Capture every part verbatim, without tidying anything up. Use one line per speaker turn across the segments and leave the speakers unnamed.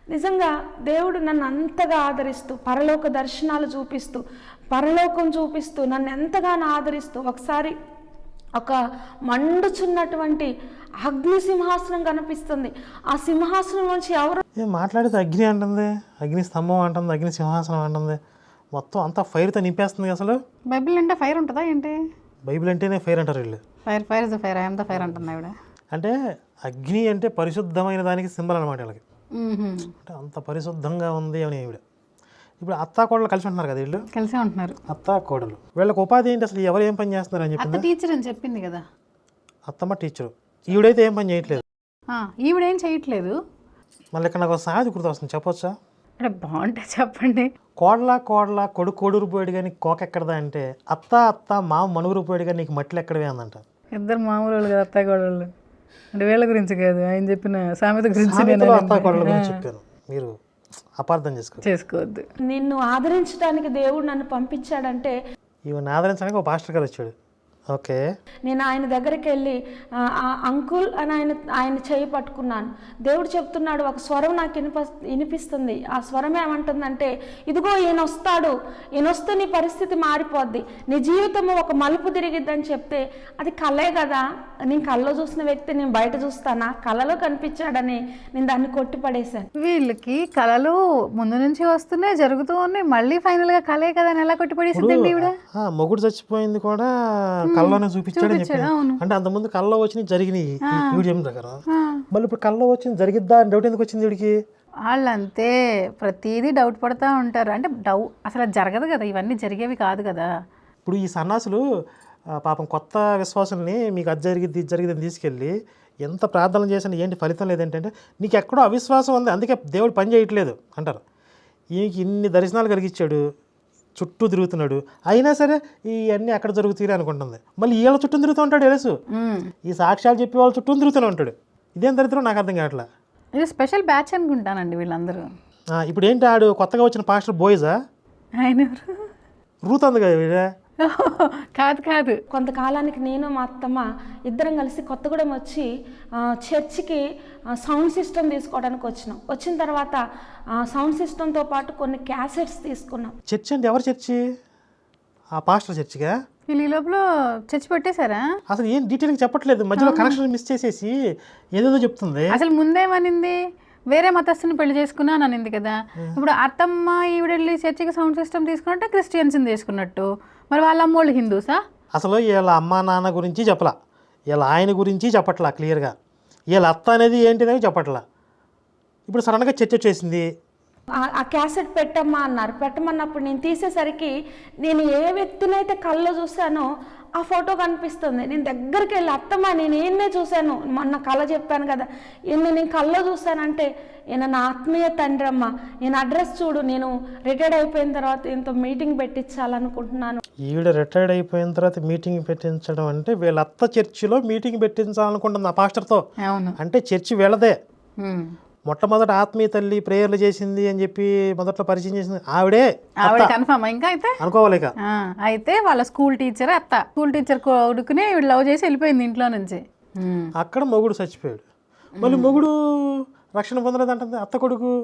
నిజంగా దేవుడు నన్ను అంతగా ఆదరిస్తూ పరలోక దర్శనాలు చూపిస్తూ పరలోకం చూపిస్తూ నన్ను ఎంతగానో ఆదరిస్తూ ఒకసారి ఒక మండుచున్నటువంటి అగ్ని సింహాసనం కనిపిస్తుంది. ఆ సింహాసనం నుంచి ఎవరు
మాట్లాడితే అగ్ని అంటుంది, అగ్ని స్తంభం అంటుంది, అగ్ని సింహాసనం అంటుంది, మొత్తం అంతా ఫైర్తో నింపేస్తుంది. అసలు
బైబిల్ అంటే ఫైర్ ఉంటుందా ఏంటి?
బైబిల్ అంటేనే ఫైర్ అంటారు వీళ్ళు.
Fire fire is the fire, I'm the fire అంటున్నా ఇవిడ.
అంటే అగ్ని అంటే పరిశుద్ధమైన దానికి సింబల్ అనమాట వీళ్ళకి. అంటే అంత పరిశుద్ధంగా ఉంది అని ఈవిడ. ఇప్పుడు అత్తా కోడలు కలిసి ఉంటున్నారు కదా వీళ్ళు,
కలిసే ఉంటున్నారు
అత్తా కోడలు. వీళ్ళకి ఉపాధి ఏంటి అసలు? ఎవరు ఏం పని చేస్తున్నారు అని
అత్త
చెప్పింది
టీచర్ అని చెప్పింది కదా.
అత్తమ్మ టీచరు, ఈవిడైతే ఏం పని చేయట్లేదు.
ఈవిడేం చేయట్లేదు.
మళ్ళీ ఇక్కడ నాకు సాది గుర్తు వస్తుంది, చెప్పొచ్చా?
అంటే బాగుంటే చెప్పండి.
కోడలా కోడలా కొడుకు కొడురు పోయాడు కానీ కోక ఎక్కడదా అంటే అత్త అత్త మామ మనుగురు పోయాడు కానీ నీకు మట్టిలు ఎక్కడవే అందంట.
ఇద్దరు మామూలు వాళ్ళు కదా అత్త కోడళ్ళు. అంటే వీళ్ళ గురించి కాదు, ఆయన చెప్పిన సామెత గురించి
అత్త కోడల గురించి చెప్పాను, మీరు అపార్థం చేసుకో
చేసుకోవద్దు.
నిన్ను ఆదరించడానికి దేవుడు నన్ను పంపించాడంటే
ఈవెన్ ఆదరించడానికి ఒక పాస్టర్ గారు వచ్చాడు. ఓకే,
నేను ఆయన దగ్గరికి వెళ్ళి అంకుల్ అని ఆయన ఆయన చేయి పట్టుకున్నాను. దేవుడు చెప్తున్నాడు, ఒక స్వరం నాకు వినిప వినిపిస్తుంది. ఆ స్వరం ఏమంటుందంటే, ఇదిగో ఈయన వస్తాడు, ఈయన వస్తే నీ పరిస్థితి మారిపోద్ది, నీ జీవితము ఒక మలుపు తిరిగిద్దని చెప్తే, అది కలే కదా, నేను కళ్ళలో చూసిన వ్యక్తి నేను బయట చూస్తానా? కళలో కనిపించాడని నేను దాన్ని కొట్టిపడేశాను.
వీళ్ళకి కళలు ముందు నుంచి వస్తున్నాయి, జరుగుతూ ఉన్నాయి, మళ్ళీ ఫైనల్ గా కళే కదా అని ఎలా కొట్టిపడేసిందండి ఈవిడ?
మొగుడు చచ్చిపోయింది కూడా కళ్ళలోనే చూపించాడని చెప్పాడు. అంటే అంతకుముందు కళ్ళలో వచ్చినాయి జరిగినాయి ఈవిడ చెప్పిన ప్రకారం. మళ్ళీ ఇప్పుడు కళ్ళలో వచ్చింది జరిగిద్దా అని డౌట్ ఎందుకు వచ్చింది వీడికి?
వాళ్ళంతే ప్రతిదీ డౌట్ పడుతూ ఉంటారు. అంటే డౌ అసలు జరగదు కదా, ఇవన్నీ జరిగేవి కాదు కదా.
ఇప్పుడు ఈ సన్నాసులు పాపం కొత్త విశ్వాసుల్ని మీకు అది జరిగిద్ది ఇది జరిగిద్దని తీసుకెళ్ళి ఎంత ప్రార్థన చేసినా ఏంటి ఫలితం లేదంటే, నీకు ఎక్కడో అవిశ్వాసం ఉంది అందుకే దేవుడు పని చేయట్లేదు అంటారు. ఈయనకి ఇన్ని దర్శనాలు కలిగించాడు, చుట్టూ తిరుగుతున్నాడు, అయినా సరే ఇవన్నీ అక్కడ జరుగుతాయి అనుకుంటుంది. మళ్ళీ వీళ్ళ చుట్టూ తిరుగుతూ ఉంటాడు తెలుసు, ఈ సాక్ష్యాలు చెప్పి వాళ్ళ చుట్టూ తిరుగుతూనే ఉంటాడు. ఇదేం దరిద్రం నాకు అర్థం కావట్లా.
ఇది స్పెషల్ బ్యాచ్ అనుకుంటానండి వీళ్ళందరూ.
ఇప్పుడు ఏంటి ఆడు కొత్తగా వచ్చిన పాస్టర్ బోయ్జా?
ఆయన
రూత్ ఉంది కదా వీడే.
కాదు కాదు
కొంతకాలానికి నేను మా అత్తమ్మ ఇద్దరం కలిసి కొత్తగూడెం వచ్చి చర్చికి సౌండ్ సిస్టమ్ తీసుకోవడానికి వచ్చినాం. వచ్చిన తర్వాత సౌండ్ సిస్టంతో పాటు కొన్ని క్యాసెట్స్ తీసుకున్నాం.
చర్చ్ అంటే ఎవరు చర్చి? ఆ పాస్టర్ చర్చిగా?
వీళ్ళు ఈ లోపల చర్చి పెట్టేశారా?
అసలు ఏం డీటెయిల్గా చెప్పట్లేదు, మధ్యలో కనెక్షన్ మిస్ చేసేసి ఏదేదో చెప్తుంది.
అసలు ముందేమనింది, వేరే మతస్థుని పెళ్లి చేసుకున్నాను అనింది కదా. ఇప్పుడు అత్తమ్మ ఈవిడెళ్ళి చర్చికి సౌండ్ సిస్టమ్ తీసుకున్నట్టు క్రిస్టియన్స్ని తీసుకున్నట్టు, మరి వాళ్ళ అమ్మోళ్ళు హిందూసా?
అసలు వీళ్ళ అమ్మ నాన్న గురించి చెప్పలా, వీళ్ళ ఆయన గురించి చెప్పట్లా క్లియర్గా, వీళ్ళ అత్త అనేది ఏంటిదని చెప్పట్లా. ఇప్పుడు సడన్గా చర్చ వచ్చేసింది.
ఆ క్యాసెట్ పెట్టమ్మా అన్నారు. పెట్టమన్నప్పుడు నేను తీసేసరికి నేను ఏ వ్యక్తినైతే కళ్ళలో చూశానో ఆ ఫోటో కనిపిస్తుంది. నేను దగ్గరికి వెళ్ళి, అత్తమ్మ నేను ఈయన్నే చూశాను, మొన్న కళ చెప్పాను కదా, ఈయన నేను కళ్ళలో చూశానంటే ఈయన నా ఆత్మీయ తండ్రి అమ్మ, నేను అడ్రస్ చూడు, నేను రిటైర్డ్ అయిపోయిన తర్వాత ఇంత మీటింగ్ పెట్టించాలనుకుంటున్నాను.
ఈవిడ రిటైర్డ్ అయిపోయిన తర్వాత మీటింగ్ పెట్టించడం అంటే వీళ్ళ అత్త చర్చిలో మీటింగ్ పెట్టించాలనుకుంటుంది ఆ పాస్టర్తో. అంటే చర్చి వీళ్ళదే. మొట్టమొదటి ఆత్మీయ తల్లి ప్రేయర్లు చేసింది అని చెప్పి మొదట్లో పరిచయం చేసింది ఆవిడే.
ఆవిడ కన్ఫర్మ్ ఇంకా అయితే
అనుకోవాలిక.
అయితే వాళ్ళ స్కూల్ టీచర్ అత్త, స్కూల్ టీచర్ కొడుకునే వీళ్ళు లవ్ చేసి వెళ్ళిపోయింది ఇంట్లో నుంచి.
అక్కడ మొగుడు చచ్చిపోయాడు, మళ్ళీ మొగుడు రక్షణ పొందలేదు అంటుంది అత్త కొడుకు.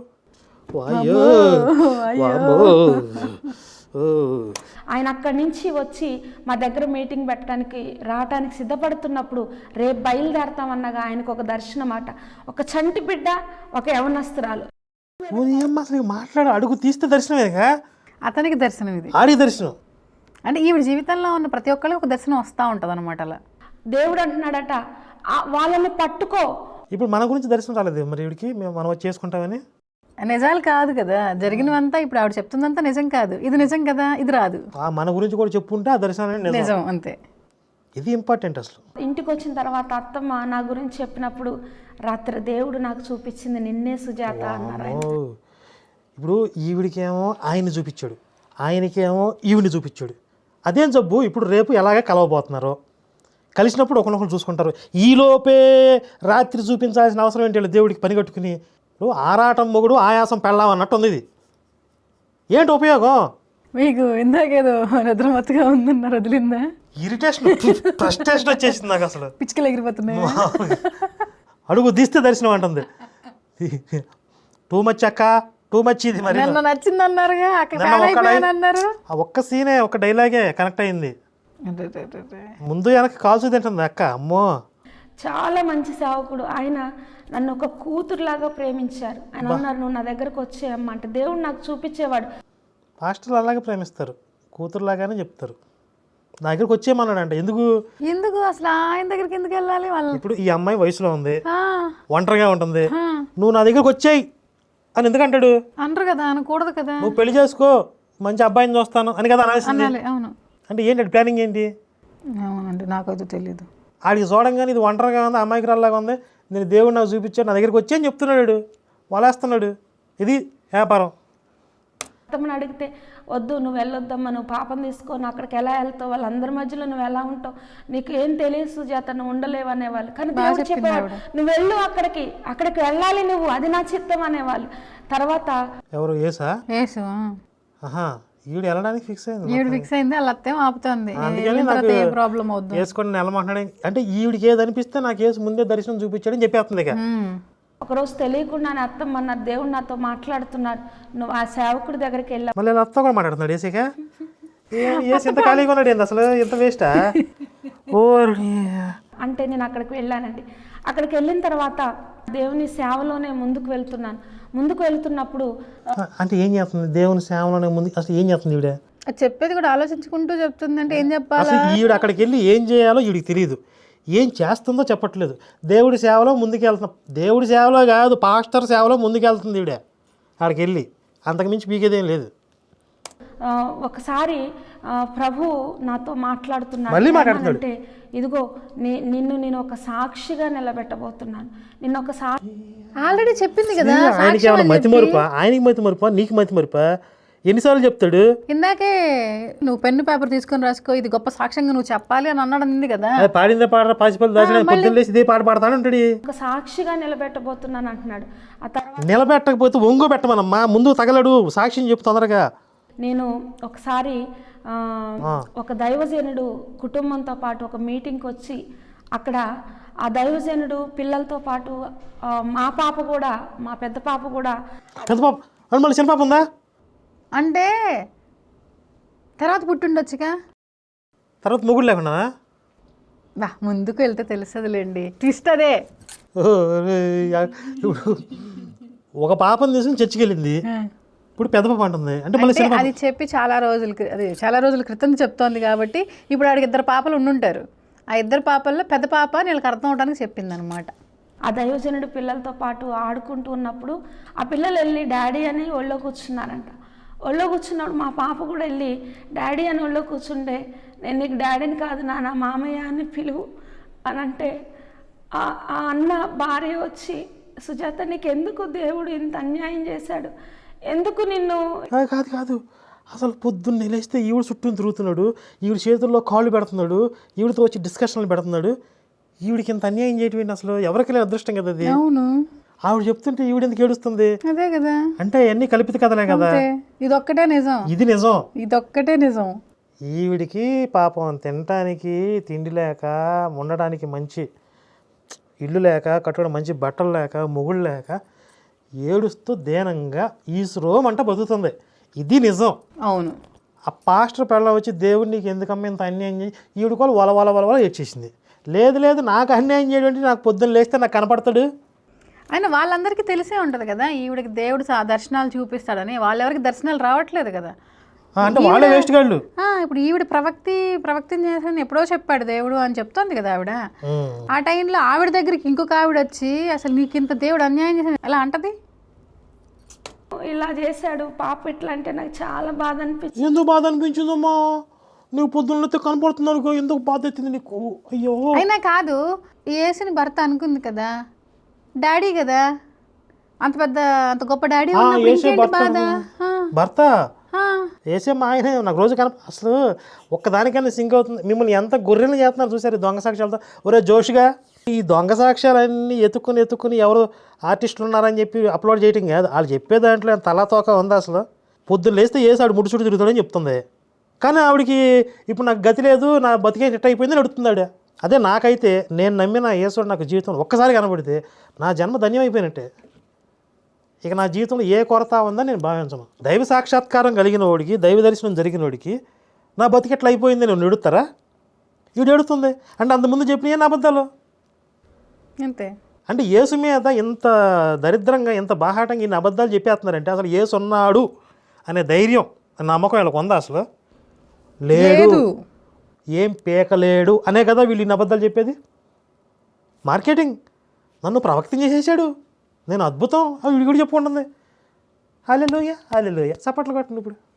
ఆయన అక్కడి నుంచి వచ్చి మా దగ్గర మీటింగ్ పెట్టడానికి రావడానికి సిద్ధపడుతున్నప్పుడు రేపు బయలుదేరతామన్నగా ఆయనకు ఒక దర్శనం అట. ఒక చంటి బిడ్డ, ఒక యవనస్తురాలు.
అసలు మాట్లాడు అడుగు తీస్తే దర్శనమేగా
అతనికి దర్శనం, ఇది
ఆడి దర్శనం.
అంటే ఈవిడ జీవితంలో ఉన్న ప్రతి ఒక్కరికి ఒక దర్శనం వస్తూ ఉంటుంది అనమాట. అలా
దేవుడు అంటున్నాడట, వాళ్ళని పట్టుకో.
ఇప్పుడు మన గురించి దర్శనం రాలేదు మరి వీడికి, మేము మనం వచ్చి చేసుకుంటామని.
నిజాలు కాదు కదా జరిగినవంతా, ఇప్పుడు ఆవిడ చెప్తుందంతా నిజం కాదు, ఇది నిజం కదా, ఇది రాదు.
మన గురించి కూడా చెప్పుంటే ఆ దర్శనం
నిజం, అంతే.
ఇది ఇంపార్టెంట్. అసలు
ఇంటికి వచ్చిన తర్వాత అత్తమ్మ నా గురించి చెప్పినప్పుడు, రాత్రి దేవుడు నాకు చూపించింది నిన్నే సుజాత అన్నారు.
ఇప్పుడు ఈవిడికేమో ఆయన్ని చూపించాడు, ఆయనకేమో ఈవిని చూపించాడు. అదేం జబ్బు. ఇప్పుడు రేపు ఎలాగే కలవబోతున్నారు, కలిసినప్పుడు ఒకరినొకరు చూసుకుంటారు. ఈలోపే రాత్రి చూపించాల్సిన అవసరం ఏంటి దేవుడికి పని కట్టుకుని? ఇప్పుడు ఆరాటం మొగుడు ఆయాసం పెళ్ళాం అన్నట్టు ఉంది. ఇది ఏంటి ఉపయోగం?
మీకు ఇందాకేదో నిద్రమత్తుగా ఉందన్నారు, వదిలిందా?
ఇరిటేషన్, ఫ్రస్ట్రేషన్ వచ్చేసింది నాకు. అసలు
పిచ్చుకలు ఎగిరిపోతున్నాయి.
అడుగు తీస్తే దర్శనం అంటుంది. టూ మచ్ అక్క, టూ మచ్ ఇది మరి.
నిన్న నచ్చింది అన్నారుగా, అక్కడ
నిన్న
fan
ఒక్క
అయిపోయాను
డై-
అన్నారు.
ఆ ఒక్క సీనే ఒక డైలాగే కనెక్ట్ అయింది.
అదే, అదే, అదే, అదే.
ముందు వెనక్కి కాల్సు తింటుంది అక్క. అమ్మో,
చాలా మంచి సేవకుడు ఆయన. నన్ను ఒక కూతురులాగా ప్రేమించారు. ఆయన అన్నారు నువ్వు నా దగ్గరకు వచ్చేయమ్మా అంటే దేవుడు నాకు చూపించేవాడు.
పాస్టర్లు అలాగే ప్రేమిస్తారు, కూతురులాగానే చెప్తారు. నా దగ్గరికి వచ్చేయమన్నాడు అంటే ఎందుకు?
ఎందుకు అసలు ఆయన దగ్గరికి ఎందుకు వెళ్ళాలి వాళ్ళు?
ఇప్పుడు ఈ అమ్మాయి వయసులో ఉంది,
ఆ,
ఒంటరిగా ఉంటుంది,
ఆ.
నువ్వు నా దగ్గరికి వచ్చేయి అని ఎందుకంటాడు?
అనరు కదా, అనకూడదు కదా.
నువ్వు పెళ్లి చేసుకో, మంచి అబ్బాయిని చూస్తాను అని కదా అనాల్సింది.
అనాలి, అవును.
అంటే ఏంటి ప్లానింగ్ ఏంటి?
అవునండి, నాకైతే తెలీదు.
ఆడికి చూడంగానే ఇది ఒంటరిగా ఉంది, అమ్మాయికి రాలాగా ఉంది, నేను దేవుడు నాకు చూపించాడు, నా దగ్గరికి వచ్చి అని చెప్తున్నాడు, వలేస్తున్నాడు. ఇది వ్యాపారం.
అత్తమ్మని అడిగితే వద్దు నువ్వు వెళ్ళొద్దమ్మా, నువ్వు పాపం తీసుకొని అక్కడికి ఎలా వెళ్తావు, వాళ్ళందరి మధ్యలో నువ్వు ఎలా ఉంటావు, నీకు ఏం తెలియదు సుజాత, నువ్వు ఉండలేవు అనేవాళ్ళు. కానీ దేవుడు చెప్పేవాడు నువ్వు వెళ్ళు అక్కడికి, అక్కడికి వెళ్ళాలి నువ్వు, అది నా చిత్తం అనేవాళ్ళు. తర్వాత
ఎవరు ఏసా?
ఏసు
ఆహా, ఈవిడ వెళ్ళడానికి ఫిక్స్ అయింది.
ఈవిడ ఫిక్స్ అయింది, వాళ్ళ అత్తేం ఆపుతుంది.
అందుకని
వెళ్ళిన
నాకు
తర్వాత ఏ ప్రాబ్లం అవుద్దు.
వేసుకొని నెలమంటున్నాడు. అంటే ఈవిడికి ఏది అనిపిస్తే నాకు ఏసు ముందే దర్శనం చూపించాడని చెప్పేస్తుంది ఇక.
ఉమ్.
ఒకరోజు తెలియకుండానే అత్తమ్మ అన్నారు దేవుడు నాతో మాట్లాడుతున్నాడు, నువ్వు ఆ సేవకుడి దగ్గరికి వెళ్ళావు.
మళ్ళీ అత్త కూడా మాట్లాడుతున్నాడు ఏసీగా. ఏసి ఇంత ఖాళీగా ఉన్నాడు ఏంది అసలు, ఇంత వేస్టా? ఓ
అంటే నేను అక్కడికి వెళ్ళానండి. అక్కడికి వెళ్ళిన తర్వాత దేవుని సేవలోనే ముందుకు వెళ్తున్నాను. ముందుకు వెళ్తున్నప్పుడు
అంటే ఏం చేస్తుంది దేవుని సేవలోనే ముందు? అసలు ఏం చేస్తుంది ఈవిడ?
అది చెప్పేది కూడా ఆలోచించుకుంటూ చెప్తుంది అంటే ఏం చెప్పాలి?
అసలు ఈవిడ అక్కడికి వెళ్ళి ఏం చేయాలో ఈవిడికి తెలియదు, ఏం చేస్తుందో చెప్పట్లేదు. దేవుడి సేవలో ముందుకు వెళ్తున్నా, దేవుడి సేవలో కాదు పాస్టర్ సేవలో ముందుకు వెళ్తుంది ఈవిడ. అక్కడికి వెళ్ళి అంతకుమించి పీకేదేం లేదు.
ఆ, ఒకసారి ఆ, ప్రభు నాతో మాట్లాడుతున్నాడు.
మళ్ళీ మాట్లాడుతున్నాడు.
అంటే ఇదిగో నీ నిన్ను నేను ఒక సాక్షిగా నిలబెట్టబోతున్నాను, నిన్ను ఒక సా
ఆల్రెడీ చెప్పింది కదా.
ఆయనకి ఏమైనా మతి మరుపా? ఆయనకి మతి మరుపా, నీకు మతి మరుపా? ఎన్నిసార్లు చెప్తాడు?
ఇందాకే నువ్వు పెన్ను పేపర్ తీసుకొని రాసుకో, ఇది గొప్ప సాక్ష్యంగా నువ్వు చెప్పాలి అని అన్నాడు అంది కదా.
అది పాడిందే పాడరా పాసిపల్లి దాచిన పొద్దున్న లేసి ఇదే పాట పాడతాను అంటాడు.
ఒక సాక్షిగా నిలబెట్టబోతున్నాను అంటున్నాడు. ఆ తర్వాత
నిలబెట్టకపోతే ఒంగు పెట్టమనమ్మా, ముందు తగలడు, సాక్ష్యం చెప్పు తొందరగా.
నేను ఒకసారి ఆ, ఒక దైవజనుడు కుటుంబంతో పాటు ఒక మీటింగ్కి వచ్చి అక్కడ ఆ దైవజనుడు పిల్లలతో పాటు ఆ, మా పాప కూడా, మా పెద్ద పాప కూడా
పెద్ద పాప అని మళ్ళీ చిన్న పాప ఉందా?
అంటే తర్వాత పుట్టిండొచ్చుగా.
తర్వాత మొగుడు లేకుండా
బా ముందుకు వెళ్తే తెలుస్తుందిలేండి, ట్విస్ట్ అదే.
ఇప్పుడు ఒక పాపను తీసుకుని చర్చికి వెళ్ళింది, ఇప్పుడు పెద్ద పాప అంటుంది. అంటే మళ్ళీ
అంటే అది చెప్పి చాలా రోజుల క్రి- అది చాలా రోజుల క్రితం చెప్తోంది కాబట్టి ఇప్పుడు ఆడికి ఇద్దరు పాపలు ఉండుంటారు. ఆ ఇద్దరు పాపల్లో పెద్ద పాప వీళ్ళకి అర్థం అవడానికి చెప్పింది అనమాట.
ఆ దైవజనుడు పిల్లలతో పాటు ఆడుకుంటూ ఉన్నప్పుడు ఆ పిల్లలు వెళ్ళి డాడీ అని ఒళ్ళో కూర్చున్నారంట. ఒళ్ళో కూర్చున్నప్పుడు మా పాప కూడా వెళ్ళి డాడీ అని ఒళ్ళో కూర్చుంటే నేను నీకు డాడీని కాదు నాన్న మామయ్య అని పిలువు అని అంటే ఆ ఆ అన్న భార్య వచ్చి సుజాత నీకు ఎందుకు దేవుడు ఇంత అన్యాయం చేశాడు, ఎందుకు నిన్ను
ఆ, కాదు కాదు అసలు పొద్దున్న లేస్తే ఈవిడ చుట్టూ తిరుగుతున్నాడు, ఈవిడ చేతుల్లో కాళ్ళు పెడుతున్నాడు, ఈవిడతో వచ్చి డిస్కషన్లు పెడుతున్నాడు. ఈవిడికి ఇంత అన్యాయం చేయటం ఏంటి అసలు? ఎవరికి లేని అదృష్టం కదా అది.
అవును,
ఆవిడ చెప్తుంటే ఈవిడ ఎందుకు ఏడుస్తుంది?
అదే కదా.
అంటే అన్ని కల్పిత కథలే కదా.
ఇదొక్కటే నిజం,
ఇది నిజం.
ఇదొక్కటే నిజం.
ఈవిడికి పాపం తినటానికి తిండి లేక, ఉండడానికి మంచి ఇల్లు లేక, కట్టుకోవడం మంచి బట్టలు లేక, మొగుళ్ళు లేక ఏడుస్తూ దేనంగా ఈశ్రోం అంట బతుకుతుంది. ఇది నిజం.
అవును.
ఆ పాస్టర్ పిల్ల వచ్చి దేవుడు నీకు ఎందుకమ్మ ఇంత అన్యాయం చేయి, ఈవిడ కూడా వల వల వల వల ఏడ్చేసింది. లేదు లేదు నాకు అన్యాయం చేయడం, నాకు పొద్దున్న లేస్తే నాకు కనపడతాడు.
ఆయన వాళ్ళందరికీ తెలిసే ఉంటుంది కదా ఈవిడకి దేవుడు సా- దర్శనాలు చూపిస్తాడని. వాళ్ళెవరికి దర్శనాలు రావట్లేదు కదా.
ఆ, అంటే వాళ్ళే వేస్ట్ గాళ్ళు.
ఆ, ఇప్పుడు ఈవిడ ప్రవక్తి ప్రవక్తిని చేసాను ఎప్పుడో చెప్పాడు దేవుడు అని చెప్తోంది కదా ఆవిడ. ఆ టైంలో ఆవిడ దగ్గరికి ఇంకొక ఆవిడ వచ్చి అసలు నీకు ఇంత దేవుడు అన్యాయం చేశాను ఎలా అంటది?
ఇలా చేశాడు పాప ఇట్లా అంటే నాకు చాలా బాధ అనిపించింది.
ఎందుకు బాధ అనిపించిందమ్మా? నువ్వు పొద్దున్నతో కనపడుతున్నావు, ఎందుకు బాధ అవుతుంది నీకు? అయ్యో
అయినా కాదు, ఏసుని భర్త అనుకుంది కదా, డాడీ కదా, అంత పెద్ద అంత గొప్ప డాడీ
ఆ,
ఉన్నప్పుడు
ఏసే
ఇంకేంటి
భర్త.
బాధ? ఆ,
భర్త
ఆ.
వేసే మా ఆయన నాకు రోజు కనప అసలు ఒక్కదానికైనా సింక్ అవుతుంది. మిమ్మల్ని ఎంత గొర్రెలు చేస్తున్నారు చూసారు ఈ దొంగ సాక్ష్యాలతో. ఒరే జోష్గా ఈ దొంగ సాక్ష్యాలన్నీ ఎత్తుకుని ఎత్తుకుని ఎవరు ఆర్టిస్టులు ఉన్నారని చెప్పి అప్లోడ్ చేయటం కాదు, వాళ్ళు చెప్పే దాంట్లో తలా తోక ఉంది. అసలు పొద్దున్న లేస్తే వేసాడు ముడుచుడు తిరుగుతాడని చెప్తుంది, కానీ ఆవిడకి ఇప్పుడు నాకు గతి లేదు, నా బతికే సెట్ అయిపోయింది అడుగుతుంది ఆవిడ. అదే నాకైతే నేను నమ్మిన యేసుడు నాకు జీవితం ఒక్కసారి కనబడితే నా జన్మ ధన్యం అయిపోయినట్టే. ఇక నా జీవితంలో ఏ కొరత ఉందని నేను భావించను. దైవ సాక్షాత్కారం కలిగిన వాడికి, దైవ దర్శనం జరిగిన వాడికి నా బతికెట్లా అయిపోయింది నేను ఎడుతారా? వీడు ఎడుతుంది అంటే అంతకుముందు చెప్పిన ఏం అబద్ధాలు.
అంతే.
అంటే యేసు మీద ఇంత దరిద్రంగా ఇంత బాహాటంగా ఇన్ని అబద్ధాలు చెప్పేస్తున్నారంటే అసలు యేసు ఉన్నాడు అనే ధైర్యం నమ్మకం వీళ్ళకి ఉందా? అసలు లేదు. ఏం పీకలేడు అనే కదా వీళ్ళు ఇన్ని అబద్ధాలు చెప్పేది. మార్కెటింగ్. నన్ను ప్రవక్తం చేసేసాడు, నేను అద్భుతం, అవి వీడు కూడా చెప్పుకుంటుంది. హల్లెలూయా హల్లెలూయా చప్పట్లు కొట్టండి ఇప్పుడు.